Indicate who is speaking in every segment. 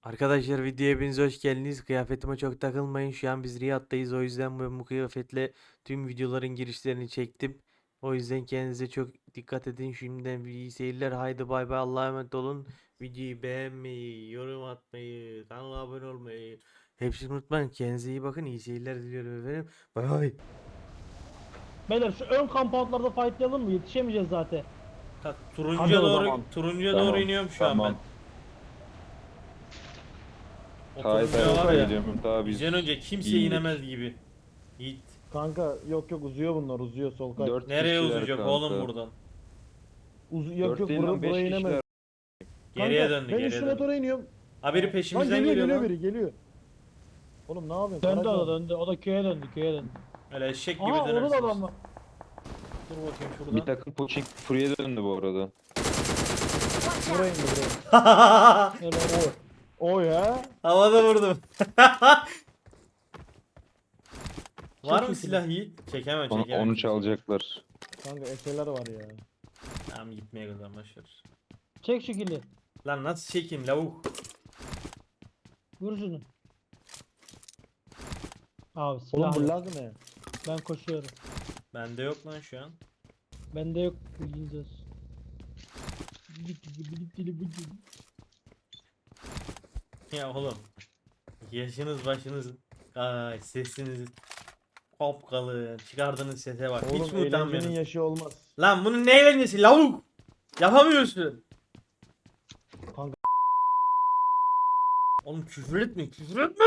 Speaker 1: Arkadaşlar videoya hepiniz hoş geldiniz. Kıyafetime çok takılmayın. Şu an biz Riyad'dayız. O yüzden ben bu kıyafetle tüm videoların girişlerini çektim. O yüzden kendinize çok dikkat edin. Şimdiden iyi seyirler. Haydi bay bay. Allah'a emanet olun. Videoyu beğenmeyi, yorum atmayı, kanala abone olmayı hepsini unutmayın. Kendinize iyi bakın. İyi seyirler diliyorum efendim. Bay bay.
Speaker 2: Beyler şu ön kampantlarda fightlayalım mı? Yetişemeyeceğiz zaten.
Speaker 1: Tak,
Speaker 2: Hadi o zaman.
Speaker 1: turuncuya
Speaker 3: Tamam,
Speaker 1: doğru iniyorum şu an ben. O
Speaker 3: Hayır
Speaker 1: turuncuya var
Speaker 3: hayır
Speaker 1: ya.
Speaker 3: geliyorum daha biz.
Speaker 1: Bizden önce kimse
Speaker 3: iyiydik.
Speaker 1: inemez gibi. Yiğit.
Speaker 2: Kanka yok uzuyor bunlar uzuyor sol kaç.
Speaker 3: Dört
Speaker 1: Nereye
Speaker 3: kişiler
Speaker 1: uzayacak
Speaker 3: kanka.
Speaker 1: oğlum buradan?
Speaker 2: Yok
Speaker 3: Dört değil lan, beş
Speaker 2: buraya inemez.
Speaker 3: kişiler.
Speaker 1: Geriye
Speaker 2: Kanka,
Speaker 1: döndü,
Speaker 2: ben
Speaker 1: geriye
Speaker 2: üst
Speaker 1: döndü.
Speaker 2: motora iniyorum.
Speaker 1: Ha biri
Speaker 2: Lan
Speaker 1: peşimizden
Speaker 2: geliyor
Speaker 1: geliyor lan.
Speaker 2: biri geliyor. Oğlum ne yapıyorsun?
Speaker 4: Döndü
Speaker 2: Karaca.
Speaker 4: o da döndü. O da köye döndü köye döndü.
Speaker 1: Öyle eşek gibi
Speaker 2: Aa orada da
Speaker 1: dönersiniz.
Speaker 2: adam var.
Speaker 1: Dur bakayım
Speaker 3: Bir
Speaker 1: şuradan.
Speaker 3: takım Puçing Fury'e döndü bu arada.
Speaker 2: Buraya indi buraya.
Speaker 4: Öyle.
Speaker 2: O ya.
Speaker 1: Havada vurdum. Var mı
Speaker 2: Çek
Speaker 1: silah Yiğit? Çekemem
Speaker 3: Onu,
Speaker 1: çekemem.
Speaker 3: onu çalacaklar.
Speaker 2: Kanka eserler var ya.
Speaker 1: Tamam gitmeye kadar başlar.
Speaker 4: Çek şu kili.
Speaker 1: Lan nasıl çekeyim lavuk?
Speaker 4: Vur şunu. Abi
Speaker 2: Oğlum
Speaker 4: silah
Speaker 2: bu
Speaker 4: yok.
Speaker 2: lag ne?
Speaker 4: Ben koşuyorum.
Speaker 1: Bende yok lan şu an.
Speaker 4: Bende yok. Bilginiz olsun.
Speaker 1: Ya oğlum. Yaşınız başınız. Ay sesiniz. Kopkalın. Çıkardığınız sese bak. Hiç
Speaker 2: Oğlum
Speaker 1: mi
Speaker 2: eğlencenin
Speaker 1: utanmıyorsun?
Speaker 2: yaşı olmaz.
Speaker 1: Lan bunun ne eğlencesi lavuk? Yapamıyorsun.
Speaker 2: Kanka.
Speaker 1: Oğlum küfür etme küfür etme.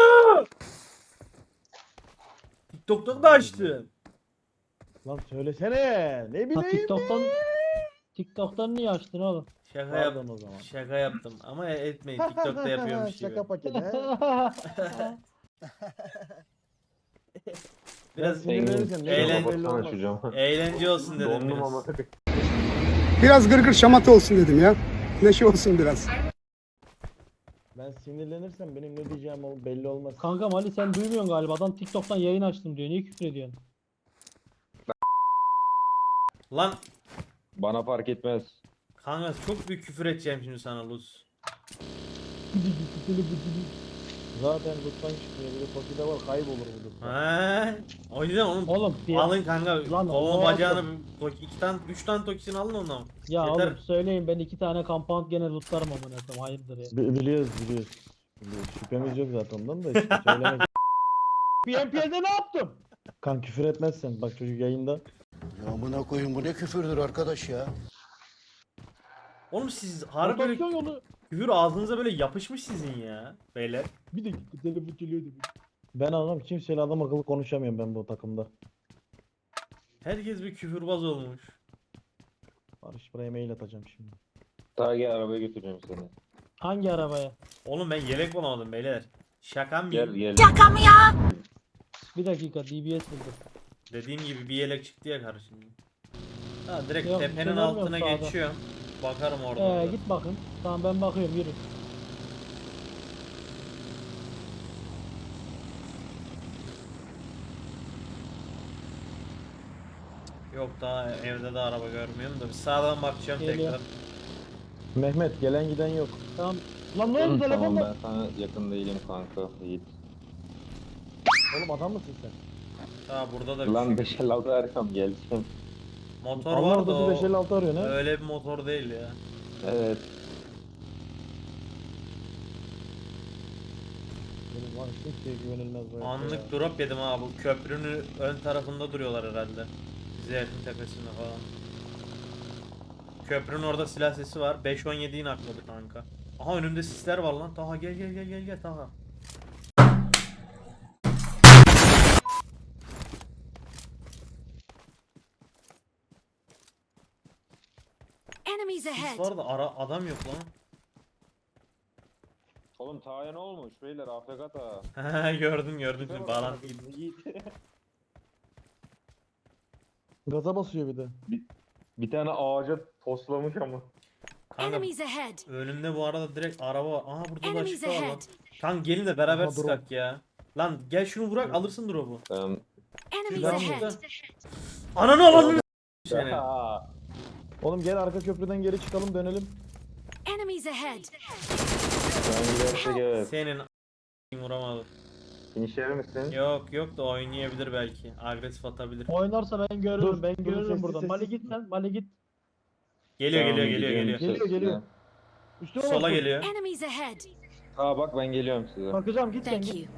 Speaker 1: TikTok'ta da açtım.
Speaker 2: Lan söylesene. Ne
Speaker 4: Ha,
Speaker 2: bileyim.
Speaker 4: TikTok'tan niye açtın oğlum?
Speaker 1: Şaka yap.
Speaker 2: Pardon o zaman.
Speaker 1: Şaka yaptım ama etmeyin TikTok'ta yapıyormuş gibi.
Speaker 2: Şaka paketi he.
Speaker 1: Biraz
Speaker 2: Ben sinirlenirsem ne
Speaker 1: eğlen-
Speaker 2: yapacağım belli olmaz.
Speaker 3: açacağım.
Speaker 1: eğlence olsun dedim
Speaker 3: Dondum
Speaker 1: biraz.
Speaker 3: ama.
Speaker 5: Biraz gırgır şamata olsun dedim ya. Neşe olsun biraz.
Speaker 2: Ben sinirlenirsem benim ne diyeceğim belli olmaz.
Speaker 4: Kanka Mali sen duymuyorsun galiba. Adam TikTok'tan yayın açtım diyor. Niye küfür ediyorsun?
Speaker 1: Lan
Speaker 3: Bana fark etmez.
Speaker 1: kanka çok büyük küfür edeceğim şimdi sana Luz.
Speaker 2: Zaten lütfen çıkmıyor. Bir de Toki'de var kaybolur bu lütfen.
Speaker 1: Ha? O yüzden onu
Speaker 4: Oğlum
Speaker 1: alın kanka.
Speaker 4: Lan
Speaker 1: Kolunu
Speaker 4: o
Speaker 1: bacağını iki tane 3 tane tokisini alın ondan.
Speaker 4: ya
Speaker 1: Yeter.
Speaker 4: oğlum söyleyin ben 2 tane compound gene lootlarım amına koyayım. Hayırdır ya.
Speaker 2: Biliyoruz. Şüphemiz yok zaten ondan da işte söylemek. PMP'de ne yaptım? Kan küfür etmezsen bak çocuk yayında.
Speaker 5: Ya buna koyun bu ne küfürdür arkadaş ya.
Speaker 1: Oğlum siz harbi böyle
Speaker 4: Rotasyon yolu.
Speaker 1: küfür ağzınıza böyle yapışmış sizin ya beyler.
Speaker 4: Bir dakika telefon geliyor demiş.
Speaker 2: Ben anlam kimseyle adam akıllı konuşamıyorum ben bu takımda.
Speaker 1: Herkes bir küfürbaz olmuş.
Speaker 2: Barış buraya mail atacağım şimdi.
Speaker 3: Daha gel arabaya götüreceğim seni.
Speaker 4: Hangi arabaya?
Speaker 1: Oğlum ben yelek bulamadım beyler. Şaka mı?
Speaker 3: Gel gel.
Speaker 4: Bir dakika DBS buldum.
Speaker 1: Dediğim gibi bir yelek çıktı ya karşıma. Ha direkt
Speaker 4: Yok,
Speaker 1: tepenin
Speaker 4: görmüyorum
Speaker 1: altına
Speaker 4: sağda.
Speaker 1: geçiyorum. Bakarım orada.
Speaker 4: Git bakın. Tamam ben bakıyorum yürü.
Speaker 1: Yok daha evde de araba görmüyorum da bir sağdan bakacağım
Speaker 4: Geliyor.
Speaker 1: tekrar.
Speaker 2: Mehmet gelen giden yok.
Speaker 4: Tamam. Lan ne oldu
Speaker 3: Tamam
Speaker 4: telefonda?
Speaker 3: ben sana yakın değilim kanka. Yiğit.
Speaker 2: Oğlum adam mısın sen?
Speaker 1: Ha burada da bir
Speaker 3: Lan
Speaker 1: şey.
Speaker 3: 556 arkam geleceğim.
Speaker 1: Motor
Speaker 2: Allah
Speaker 1: vardı
Speaker 2: orada
Speaker 1: o.
Speaker 2: 556 arıyor ne?
Speaker 1: Öyle bir motor değil ya.
Speaker 3: Evet.
Speaker 2: Benim var kimseye güvenilmez bu hayatta ya.
Speaker 1: Anlık drop yedim ha bu köprünün ön tarafında duruyorlar herhalde. Bize yakın tepesinde falan. Köprünün orada silah sesi var. 5.17'yi nakladı kanka. Aha önümde sisler var lan. Taha gel Taha.
Speaker 6: Enemies
Speaker 1: Sis
Speaker 6: ahead.
Speaker 1: var da adam yok lan.
Speaker 3: Oğlum Taha'ya ne olmuş beyler AFK Taha.
Speaker 1: gördüm şimdi bağlantı gitti.
Speaker 3: Yiğit.
Speaker 2: Gaza basıyor bir de.
Speaker 3: Bir tane ağaca toslamış ama.
Speaker 1: Kanka
Speaker 6: Enemies ahead.
Speaker 1: önümde bu arada direkt araba var. Aha burada da
Speaker 6: Enemies
Speaker 1: açıkta var lan.
Speaker 6: ahead.
Speaker 1: Kanka gelin de beraber
Speaker 2: Aha, drop.
Speaker 1: sıkak ya. Lan gel şunu bırak alırsın drop'u.
Speaker 6: Enemies
Speaker 1: Şuradan
Speaker 6: ahead.
Speaker 1: şuradan. Ananı alalım seni.
Speaker 3: Taha.
Speaker 2: Oğlum gel arka köprüden geri çıkalım dönelim.
Speaker 6: Enemies ahead.
Speaker 3: an gidersek evet.
Speaker 1: Senin vuramadım.
Speaker 3: Finisher misin?
Speaker 1: Yok da oynayabilir belki. Agresif atabilir.
Speaker 4: Oynarsa ben görürüm.
Speaker 2: Dur,
Speaker 4: Ben
Speaker 2: dur,
Speaker 4: görürüm
Speaker 2: sessiz,
Speaker 4: buradan. Mali
Speaker 2: sessiz.
Speaker 4: git sen. Mali git.
Speaker 1: Geliyor
Speaker 3: Tamam,
Speaker 1: geliyor
Speaker 3: gidiyorum
Speaker 1: geliyor.
Speaker 2: Geliyor,
Speaker 3: size.
Speaker 2: geliyor. Üstüne
Speaker 1: Sola
Speaker 2: bak.
Speaker 1: geliyor.
Speaker 6: Enemies ahead.
Speaker 3: Aa bak ben geliyorum size.
Speaker 4: Bakacağım git sen
Speaker 6: Thank
Speaker 4: git.
Speaker 6: you.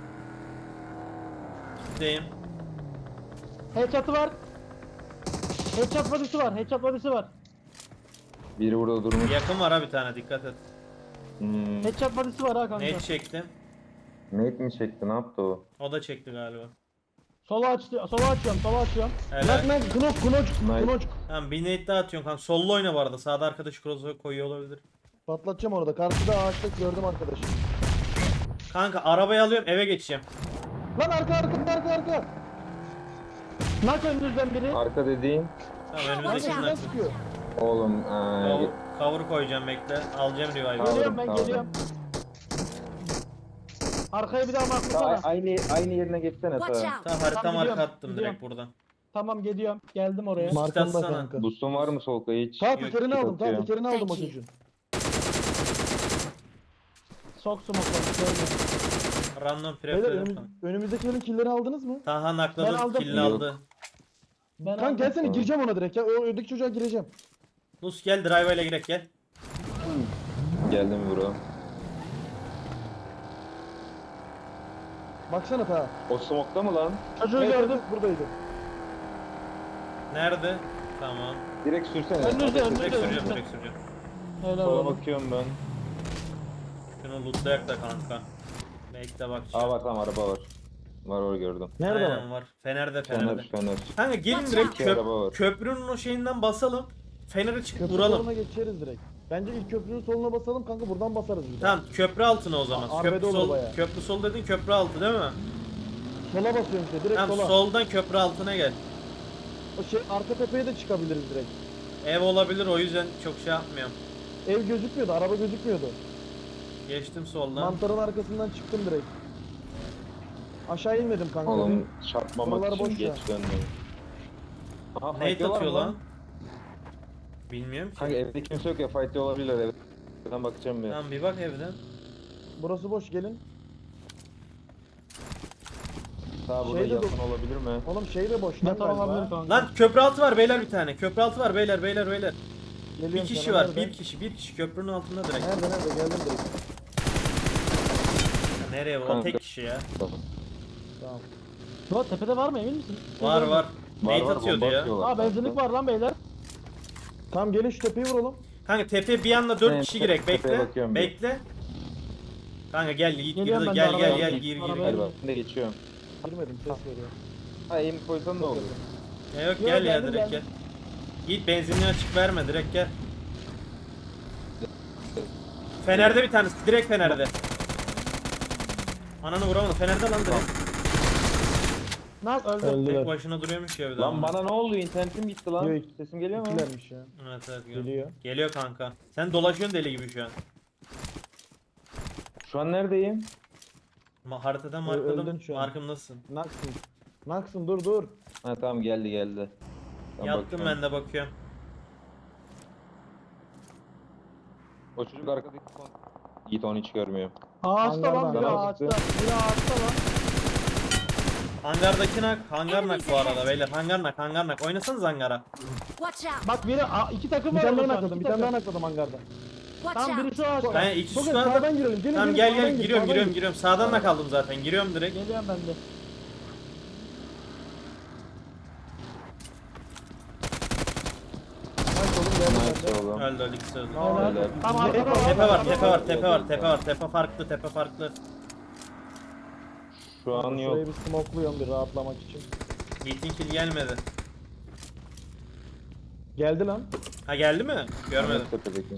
Speaker 1: Deyim.
Speaker 4: Headshot'ı var. Headshot body'si var. Headshot body'si var.
Speaker 3: Biri burada durmuş.
Speaker 1: Yakın var ha bir tane, dikkat et.
Speaker 4: Headshot body'si var ha kanka.
Speaker 1: Net çektim.
Speaker 3: Nate mi çekti? Ne yaptı o?
Speaker 1: O da çekti galiba.
Speaker 4: Sola açtı. Sola açıyorum. Sola açıyorum.
Speaker 2: Bırak
Speaker 1: Helal.
Speaker 2: lan knoç.
Speaker 3: Nice.
Speaker 1: Tamam bir net daha atıyorsun kanka. Sollu oyna bu arada. Sağda arkadaş cross'u koyuyor olabilir.
Speaker 2: Patlatacağım orada. Karşıda ağaçta gördüm arkadaşı.
Speaker 1: Kanka arabayı alıyorum, eve geçeceğim.
Speaker 2: Lan arka.
Speaker 4: Nak önünüzden biri.
Speaker 3: Arka dediğin
Speaker 1: Tamam
Speaker 2: Kanka
Speaker 1: önümüzdeki
Speaker 2: şuradan
Speaker 1: nak.
Speaker 2: sıkıyor.
Speaker 3: oğlum
Speaker 1: Cover koyacağım, bekle. Alacağım revive'ı.
Speaker 4: Geliyorum ben
Speaker 3: Tamam.
Speaker 4: geliyorum. Arkaya bir daha marklasana.
Speaker 3: aynı yerine geçsene
Speaker 6: Watch
Speaker 3: ta.
Speaker 6: out.
Speaker 1: Tamam harita
Speaker 4: Tamam,
Speaker 1: marka
Speaker 4: gidiyorum,
Speaker 1: attım
Speaker 4: gidiyorum.
Speaker 1: direkt buradan.
Speaker 4: Tamam geliyorum. Geldim oraya.
Speaker 1: Mar-
Speaker 2: Markamda
Speaker 1: atsana.
Speaker 2: kanka.
Speaker 3: Boost'un var mı Solkay hiç?
Speaker 2: Ta
Speaker 1: Yok,
Speaker 2: tekerini aldım. Ta
Speaker 3: atıyorum.
Speaker 2: tekerini aldım o
Speaker 6: Thank you.
Speaker 2: çocuğun.
Speaker 4: Sok smoke'ları. Söyle.
Speaker 1: Random
Speaker 2: Beyler
Speaker 1: prep dedim kanka.
Speaker 2: önümüzdekilerin killerini aldınız mı?
Speaker 1: Taha
Speaker 4: Ben
Speaker 1: nakladı,
Speaker 4: aldım.
Speaker 1: killini
Speaker 3: Yok.
Speaker 1: aldı.
Speaker 4: Ben
Speaker 2: Kanka
Speaker 4: aldım.
Speaker 2: gelsene
Speaker 3: Tamam.
Speaker 2: gireceğim ona direkt ya. O öndeki çocuğa gireceğim.
Speaker 1: Lus gel, drive ile girek gel.
Speaker 3: Geldim bro.
Speaker 2: Baksana ta.
Speaker 3: O smoke'ta mı lan?
Speaker 4: Çocuğu gördüm.
Speaker 2: Buradaydı.
Speaker 1: Nerede? Tamam.
Speaker 3: Direkt sürsene.
Speaker 4: Önünüzde,
Speaker 3: Ateş
Speaker 4: önünüzde.
Speaker 1: Direkt
Speaker 3: et.
Speaker 1: süreceğim, direkt süreceğim.
Speaker 4: Helal
Speaker 3: Sola
Speaker 4: olsun.
Speaker 3: bakıyorum ben.
Speaker 1: Şunu lootlayak da kanka. Bekle bakacağım.
Speaker 3: Aa var tamam araba var. Var orada gördüm.
Speaker 2: Nerede
Speaker 1: Aynen
Speaker 2: var?
Speaker 1: var. Fener'de.
Speaker 3: Fener.
Speaker 1: Kanka gelin
Speaker 6: Watch
Speaker 1: direkt
Speaker 6: out.
Speaker 3: İki araba var.
Speaker 1: köprünün o şeyinden basalım. Fener'e çıkıp
Speaker 2: Köprü
Speaker 1: vuralım.
Speaker 2: soluna geçeriz direkt. Bence ilk köprünün soluna basalım kanka buradan basarız bir daha.
Speaker 1: Tamam köprü altına o zaman.
Speaker 2: Arbede
Speaker 1: Köprü
Speaker 2: olur
Speaker 1: sol,
Speaker 2: bayağı.
Speaker 1: köprü sol dedin, köprü altı değil mi?
Speaker 2: Sola basıyorum işte direkt
Speaker 1: Tamam
Speaker 2: sola.
Speaker 1: soldan köprü altına gel.
Speaker 2: O şey arka tepeye de çıkabiliriz direkt.
Speaker 1: Ev olabilir, o yüzden çok şey yapmıyorum.
Speaker 2: Ev gözükmüyordu, araba gözükmüyordu.
Speaker 1: Geçtim soldan.
Speaker 2: Mantarın arkasından çıktım direkt. Aşağı inmedim kanka.
Speaker 3: Oğlum çarpmamak
Speaker 2: Buralar
Speaker 3: için
Speaker 2: boş ya.
Speaker 3: geç döndüm. Aha
Speaker 1: Nate
Speaker 3: fight
Speaker 1: atıyor
Speaker 3: mı
Speaker 1: lan. Bilmiyorum ki.
Speaker 3: Kanka evde kimse yok ya fight olabilirler evde. Ben bakacağım bir.
Speaker 1: Tamam bir bak evden.
Speaker 2: Burası boş gelin.
Speaker 3: Sağ burada
Speaker 2: Şeyde
Speaker 3: yakın olabilir mi?
Speaker 2: Oğlum şey de boş lan
Speaker 4: Yatağı olabilir
Speaker 2: galiba.
Speaker 4: kanka.
Speaker 1: Lan köprü altı var beyler bir tane. Köprü altı var beyler. Bir
Speaker 2: Geliyorum
Speaker 1: kişi
Speaker 2: sana,
Speaker 1: var.
Speaker 2: nerede?
Speaker 1: Bir kişi köprünün altında direkt.
Speaker 2: Nerede geldim direkt.
Speaker 1: Ya nereye? O
Speaker 3: Kanka.
Speaker 1: tek kişi ya.
Speaker 2: Tamam.
Speaker 4: Yo, tepede var mı emin misin?
Speaker 1: Var.
Speaker 3: Var,
Speaker 1: Nate
Speaker 3: var,
Speaker 1: atıyordu
Speaker 3: bomba
Speaker 1: ya.
Speaker 3: atıyorlar
Speaker 4: Aa benzinlik
Speaker 3: kanka.
Speaker 4: var lan beyler.
Speaker 2: Tamam gelin şu tepeyi vuralım.
Speaker 1: Kanka tepe bir anda 4
Speaker 3: Evet,
Speaker 1: kişi girek.
Speaker 3: tepeye
Speaker 1: Bekle.
Speaker 3: bakıyorum bir.
Speaker 1: Bekle. Kanka gel git
Speaker 4: Geliyorum ben de
Speaker 1: gel
Speaker 4: arabaya.
Speaker 1: gir.
Speaker 4: Arabaya.
Speaker 3: Hadi bak ben de geçiyorum.
Speaker 2: Girmedim ses veriyor.
Speaker 3: Ha aim koysan ne olur?
Speaker 1: Ya yok
Speaker 4: Yo,
Speaker 1: gel ya
Speaker 4: geldim,
Speaker 1: direkt gel.
Speaker 4: geldim.
Speaker 1: Git benzinliği açık verme, direkt gel. Fener'de bir tanesi, direkt Fener'de. Ananı vuramadım, Fener'de lan direkt.
Speaker 4: Nak öldü.
Speaker 2: Öldüler.
Speaker 1: Tek başına duruyormuş ya bir de.
Speaker 3: Lan
Speaker 1: ama.
Speaker 3: bana ne oldu? İnternetim gitti lan.
Speaker 2: Yok,
Speaker 3: Sesim geliyor mu?
Speaker 2: İkilermiş ya.
Speaker 1: Evet
Speaker 2: Geliyor.
Speaker 1: Geliyor kanka. Sen dolaşıyorsun deli gibi şu an.
Speaker 3: Şu an neredeyim?
Speaker 1: Haritadan
Speaker 2: öldün
Speaker 1: markladım.
Speaker 2: şu an.
Speaker 1: Markımdasın.
Speaker 2: Naksın. Naksın dur.
Speaker 3: Ha tamam geldi. Ben
Speaker 1: Yattım
Speaker 3: bakıyorum.
Speaker 1: ben de bakıyorum.
Speaker 3: O çocuk arkadaki son. Yiğit onu hiç görmüyor.
Speaker 4: Ağaçta lan
Speaker 2: Hangardan
Speaker 4: biri
Speaker 3: adam
Speaker 4: ağaçta.
Speaker 3: çıktı.
Speaker 4: Biri ağaçta lan.
Speaker 1: Hangardaki nak, hangar nak bu arada beyler. Hangar nak. Oynasanız hangara.
Speaker 6: Watch out.
Speaker 4: Bak biri iki takım
Speaker 2: Bir
Speaker 4: var.
Speaker 2: tane daha
Speaker 4: orada şu an,
Speaker 2: nakladım.
Speaker 4: iki
Speaker 2: Bir tane daha
Speaker 4: takım.
Speaker 2: nakladım hangarda.
Speaker 6: Watch
Speaker 4: Tam
Speaker 6: out.
Speaker 4: biri şu ağaçta.
Speaker 1: Ben iki
Speaker 2: Çok
Speaker 1: squad'da.
Speaker 2: sağdan girelim. Gelin
Speaker 1: Tamam
Speaker 2: gelin,
Speaker 1: gel
Speaker 2: sağdan gir,
Speaker 1: giriyorum
Speaker 2: sağdan gir.
Speaker 1: giriyorum. Sağdan nak aldım zaten. Giriyorum direkt.
Speaker 4: Geliyorum ben de.
Speaker 2: Nice oğlum geldi
Speaker 3: Nice
Speaker 2: bende.
Speaker 3: oğlum.
Speaker 1: Öldü ikisi öldü.
Speaker 4: Helal.
Speaker 3: Helal.
Speaker 4: Tam arkada var.
Speaker 1: Tepe var. Tepe farklı.
Speaker 3: Şu an yok.
Speaker 2: Şurayı bir smokluyorum bir rahatlamak için.
Speaker 1: Yiğit'in kill gelmedi.
Speaker 2: Geldi lan.
Speaker 1: Ha geldi mi? Görmedim.
Speaker 3: Tepedeki.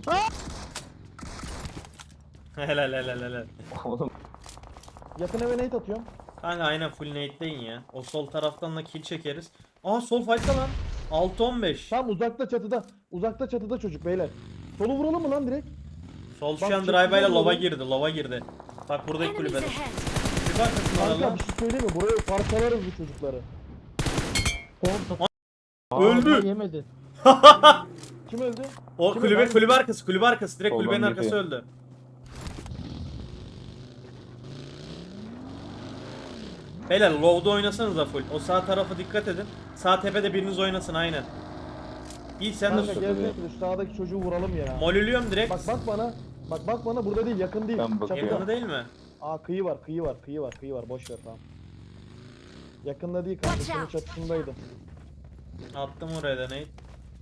Speaker 1: Helal.
Speaker 3: Oğlum
Speaker 2: Yakın eve nade atıyorum.
Speaker 1: Kanka aynen full nade'deyin ya. O sol taraftan da kill çekeriz. Aa sol fight'ta lan. 6-15.
Speaker 2: Tam uzakta çatıda. Uzakta çatıda çocuk beyler. Solu vuralım mı lan direkt?
Speaker 1: Sol şu
Speaker 2: Bak,
Speaker 1: an
Speaker 2: çok
Speaker 1: drive ile
Speaker 2: güzel
Speaker 1: lova
Speaker 2: oldu.
Speaker 1: girdi. Bak buradaki
Speaker 6: Enemies
Speaker 1: kulübede.
Speaker 6: ahead.
Speaker 1: Bir bakasın
Speaker 2: Kanka
Speaker 1: orada.
Speaker 2: bir şey söyleyeyim mi? Buraya parçalarız bu çocukları.
Speaker 1: Öldü.
Speaker 4: Yemedi.
Speaker 2: Kim öldü?
Speaker 1: O
Speaker 2: Kimi
Speaker 1: kulübe
Speaker 2: ben-
Speaker 1: kulübe arkası. Direkt
Speaker 3: Soldan
Speaker 1: kulübenin arkası
Speaker 3: geçiyor.
Speaker 1: öldü. Beyler low'da oynasanız da full. O sağ tarafa dikkat edin. Sağ tepede biriniz oynasın aynen. İyi sen
Speaker 2: Kanka
Speaker 1: de
Speaker 2: gezmek şu sağdaki çocuğu vuralım ya.
Speaker 1: molülüyorum direkt.
Speaker 2: Bak bana. Bak bana burada değil yakın değil.
Speaker 3: Ben bakıyorum.
Speaker 1: Yakını değil mi?
Speaker 2: Aa kıyı var. Boş ver tamam. Yakında değil kanka.
Speaker 6: Watch
Speaker 2: Şunun
Speaker 6: out.
Speaker 2: çatısındaydı.
Speaker 1: Attım oraya da Nate.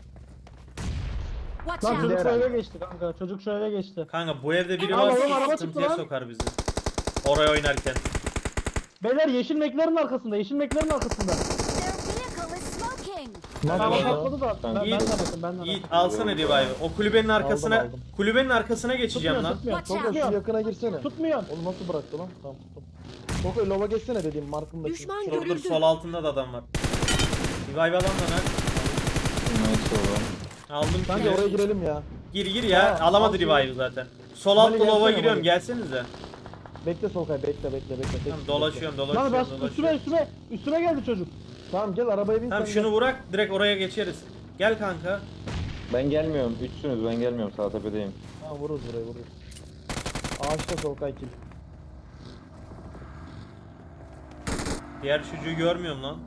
Speaker 6: Watch
Speaker 4: Lan
Speaker 6: out!
Speaker 4: çocuk şu
Speaker 2: herhalde.
Speaker 4: eve geçti kanka. Çocuk şu eve geçti.
Speaker 1: Kanka bu evde biri
Speaker 6: Aa,
Speaker 1: varsa
Speaker 6: oğlum,
Speaker 4: araba
Speaker 1: sıkıntıya
Speaker 4: çıktı lan.
Speaker 1: sokar bizi. Oraya oynarken.
Speaker 4: Beyler yeşil meklerin arkasında. Yeşil meklerin arkasında.
Speaker 6: Their vehicle is smoking!
Speaker 4: Tamam
Speaker 2: Nasıl ya?
Speaker 4: patladı da. Ben
Speaker 1: Yiğit,
Speaker 4: de bakın ben de
Speaker 1: Yiğit
Speaker 4: bakın.
Speaker 1: alsana revive'ı. O kulübenin arkasına
Speaker 2: aldım.
Speaker 1: kulübenin arkasına geçeceğim
Speaker 4: Tutmuyor
Speaker 1: lan.
Speaker 4: tutmuyor.
Speaker 6: Watch
Speaker 2: Tolga
Speaker 6: out!
Speaker 2: şu yakına girsene.
Speaker 4: Tutmuyor.
Speaker 2: Onu nasıl bıraktı lan? Tamam tuttum. Tolga lova geçsene dediğim markımdaki.
Speaker 6: Düşman
Speaker 2: Şu-
Speaker 1: Dur
Speaker 6: görüldü.
Speaker 1: sol altında da adam var. Revive alan da lan.
Speaker 3: Nice oğlum.
Speaker 1: Aldım
Speaker 2: Kanka
Speaker 1: kili.
Speaker 2: oraya girelim ya.
Speaker 1: Gir ya.
Speaker 2: Ha,
Speaker 1: Alamadı
Speaker 2: al şunu.
Speaker 1: revive'ı zaten. Sol
Speaker 2: Mali
Speaker 1: altta lova
Speaker 2: gelsene,
Speaker 1: giriyorum.
Speaker 2: Mali.
Speaker 1: Gelsenize.
Speaker 2: Bekle Solkay bekle.
Speaker 1: Tamam dolaşıyorum
Speaker 4: Lan ben
Speaker 1: dolaşıyorum.
Speaker 4: üstüme geldi çocuk.
Speaker 2: Tamam gel arabaya bin
Speaker 1: Tamam
Speaker 2: sen
Speaker 1: şunu bırak direkt oraya geçeriz. Gel kanka.
Speaker 3: Ben gelmiyorum. Üçsünüz ben gelmiyorum. Sağ tepedeyim.
Speaker 2: gel. Ha vururuz burayı vururuz. Ağaçta Solkay kill.
Speaker 1: Diğer çocuğu görmüyorum lan.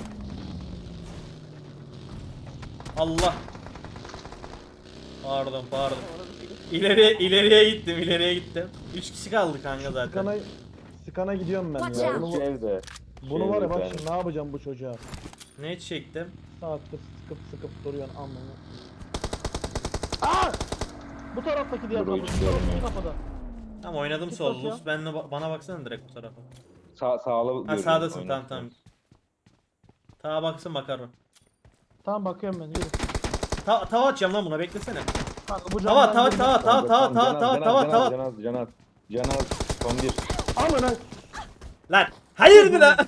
Speaker 1: Allah. Pardon. İleriye gittim. 3 kişi kaldı kanka zaten.
Speaker 2: Skana gidiyorum ben
Speaker 6: Watch
Speaker 2: ya.
Speaker 6: out.
Speaker 2: Bunu,
Speaker 3: Şu evde.
Speaker 2: bunu var ya bak
Speaker 3: Bir tane.
Speaker 2: şimdi ne yapacağım bu çocuğa.
Speaker 1: Ne çektim?
Speaker 2: Saattir sıkıp duruyorsun anlamı.
Speaker 4: Bu taraftaki diğer
Speaker 3: Dur,
Speaker 4: kapı.
Speaker 3: hiç
Speaker 4: Bu
Speaker 3: görmüyorum.
Speaker 4: kafada.
Speaker 1: Tamam oynadım
Speaker 4: Git
Speaker 1: sol.
Speaker 4: bakayım.
Speaker 1: Lus bana baksana direkt bu tarafa.
Speaker 3: Sağlı
Speaker 1: Ha
Speaker 3: görüyorum,
Speaker 1: sağdasın tamam
Speaker 3: oynarsınız.
Speaker 1: tamam. Tağa baksın bakarım.
Speaker 4: Tamam bakıyorum ben yürü.
Speaker 1: Tava atacağım lan buna beklesene.
Speaker 4: Kanka bu
Speaker 1: Tava
Speaker 4: camdan
Speaker 1: tava
Speaker 4: girme.
Speaker 1: tava tava tava tava tava.
Speaker 3: Canaz. Son bir.
Speaker 2: Ama lan.
Speaker 1: Lan hayırdır lan?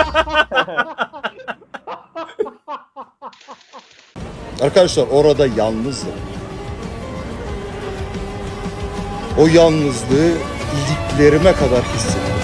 Speaker 7: Arkadaşlar orada yalnızdım. O yalnızlığı iliklerime kadar hissettim.